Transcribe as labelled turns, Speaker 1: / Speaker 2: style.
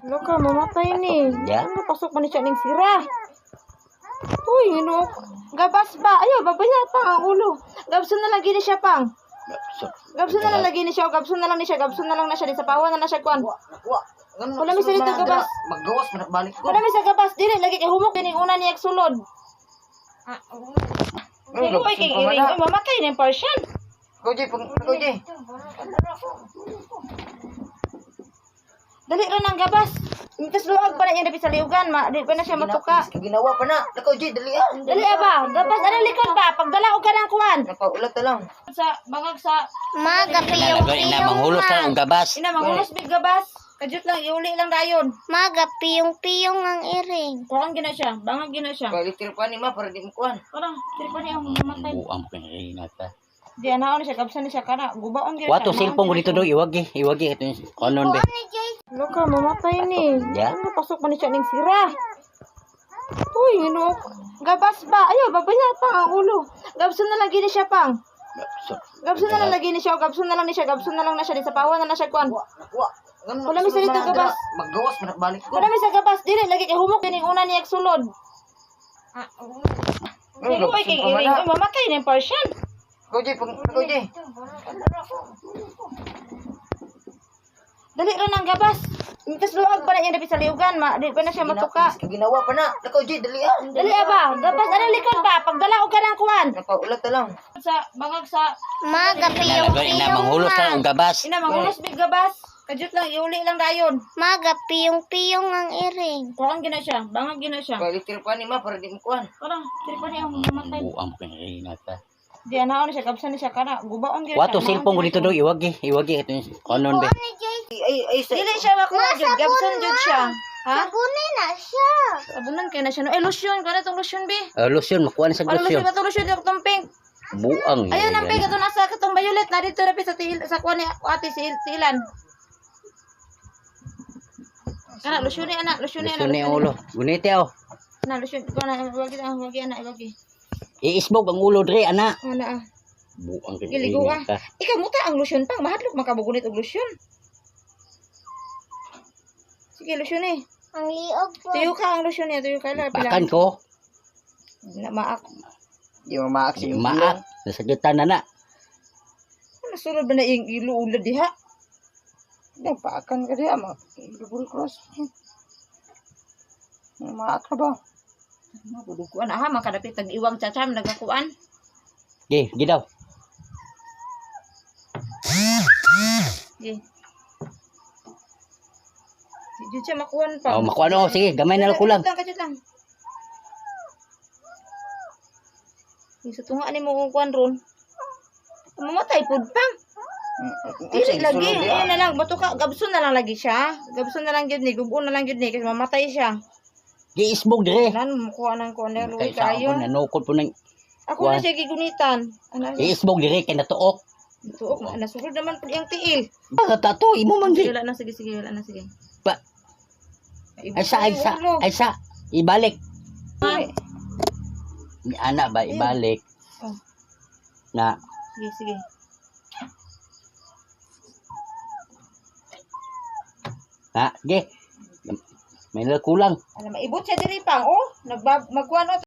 Speaker 1: Loka, mamatay ni.
Speaker 2: Ya.
Speaker 1: Ano, pasok pa ni siya ning sira. Uy, ano? Gabas ba? Ayaw, babaya pa ang ulo. Gabson na lagi ni siya pang. Gabson na lang lagi ni siya. Gabson na lang ni siya. Gabson na lang na siya. Di sa pawan na siya kwan. Wala mi sa dito gabas.
Speaker 2: Maggawas man balik ko.
Speaker 1: Wala mi sa gabas. Dili, lagi kay humok. Dining una niya sulod. Uy, kay iring. Uy, mamatay na yung Persian.
Speaker 2: Koji.
Speaker 1: Dali rin ang gabas. Mitas luwag pa na niya dapat sa liugan. Di pa na siya matuka.
Speaker 2: Ginawa pa na. Koji, dali ah.
Speaker 1: Dali ba? Gabas, ano likod ba? Pagdala ko ka ng kuwan.
Speaker 2: Napaulat na lang.
Speaker 1: Sa bangag sa...
Speaker 3: Magapi
Speaker 2: Ina manghulos na ang gabas.
Speaker 1: Ina, mangulos big gabas. Kajut lang, iuli lang dayon.
Speaker 3: Magapiyong-piyong ang iring.
Speaker 1: Kuhan gina siya. Bangag gina siya.
Speaker 2: Balitir pa ni ma para di mo kuhan.
Speaker 1: Parang, tripa niya ang mamatay.
Speaker 2: Buang pinrina ta.
Speaker 1: Di, anaon siya. Kapsan niya siya. Kana, gubaon gina
Speaker 2: Wato cellphone ko dito do iwagi ito yung kanon be.
Speaker 1: Loka, mamatay ni.
Speaker 2: Ya.
Speaker 1: Ano, pasok pa ni siya ning sira. Uy, ano? Gabas ba? Ayaw, babaya pa ang ulo. Gabson na lagi ni siya pang. Gabson na lang lagi ni siya. Gabson na lang ni siya. Gabson na lang na siya. Di sa pawan na siya kwan. Wala mi sa dito gabas.
Speaker 2: Maggawas man balik ko.
Speaker 1: Wala mi sa gabas. Dili, lagi kay humok. Dining una niya sulod. Uy, kay iring. Uy, mamatay na yung Persian.
Speaker 2: Koji.
Speaker 1: Dali rin ang gabas. Mitas luwag pa na niya dapat sa liugan. Di pa na siya matuka.
Speaker 2: Ginawa pa na. Koji, dali ah.
Speaker 1: Dali ba? Gabas, ano likod ba? Pagdala ko ka ng kuwan.
Speaker 2: Napaulat na lang.
Speaker 1: Sa bangag sa...
Speaker 3: Magapiyong-piyong
Speaker 2: manghulos na ang gabas.
Speaker 1: Ina, mangulos big gabas. Kajut lang, iuli lang dayon.
Speaker 3: Magapiyong-piyong ang iring.
Speaker 1: Kuhan gina siya. Bangag gina siya.
Speaker 2: Balitir pa ni ma para di mo kuhan.
Speaker 1: Parang, tripa niya ang mamatay.
Speaker 2: Buang pinrina ta.
Speaker 1: Di, anaon siya. Kapsan niya siya. Kana, gubaon gina
Speaker 2: Wato
Speaker 1: siya.
Speaker 2: cellphone ko dito do iwagi ito yung kanon be. Ay
Speaker 1: Dili siya makuha jud. Gabson jud siya. Ha?
Speaker 3: Sabunin na siya.
Speaker 1: Sabunan kaya na siya. No? Eh, lotion. Kaya na itong lotion, be.
Speaker 2: Lotion makuha na sa
Speaker 1: Ano lotion
Speaker 2: lotion.
Speaker 1: ba itong lotion? Itong pink.
Speaker 2: Buang.
Speaker 1: Ayun ang pink. Ito nasa katong violet. Na dito rapi sa kuha ni ate si Ilan. Kana, lotion ni anak. Lotion ni anak.
Speaker 2: Lotion ni ulo. Gunite oh.
Speaker 1: Na, lotion. Kuha na. Wagi anak. Wagi.
Speaker 2: Iisbog ang ulo dre ana.
Speaker 1: Ana.
Speaker 2: Buang
Speaker 1: Giligo
Speaker 2: pinrina ta.
Speaker 1: Ikaw mo ta ang lotion pang. Mahadlok makabugunit og lotion. Sige, lotion eh.
Speaker 3: Ang liog po.
Speaker 1: Tuyo ka ang lotion niya. Tuyo ka lang.
Speaker 2: Pakan ko.
Speaker 1: Na maak.
Speaker 2: Di maak si maak. Nasagitan na.
Speaker 1: Nasulod ba na yung iluulad diha? Nagpaakan ka diha. Double cross. Maak na ba? Mabudukuan. Aha, makadapit. Nag-iwang chacham. Nagakuan.
Speaker 2: Gi daw.
Speaker 1: Sige. Si Jud siya makuhan pa.
Speaker 2: Oh, makuha no. Sige, gamay na lang kulang.
Speaker 1: Kajut lang. Isa tunga ni mo kuhan ron. Mamatay pud pang. Dili lagi. Ayun na lang. Bato ka. Gabson na lang lagi siya. Gabson na lang yun ni. Gubon na lang yun ni. Kasi mamatay siya.
Speaker 2: Giisbog dire.
Speaker 1: Nan, makuha ng kuhan na. Luwi
Speaker 2: Kaysa
Speaker 1: kayo.
Speaker 2: ako nanukod po ng
Speaker 1: Ako na siya gigunitan. Ano?
Speaker 2: giisbog dire kay natuok.
Speaker 1: Tuok na. Nasulod naman po yung tiil.
Speaker 2: Tato imo man
Speaker 1: Sige,
Speaker 2: gi.
Speaker 1: wala na. Sige, sige. Wala na. Sige.
Speaker 2: Ba. Ay sa. Ibalik. Ni ana ba ibalik.
Speaker 1: Oh.
Speaker 2: Na
Speaker 1: Sige, sige.
Speaker 2: ha, gi. May kulang.
Speaker 1: Alam, maibot siya diri pang. Oh, magkuhan o.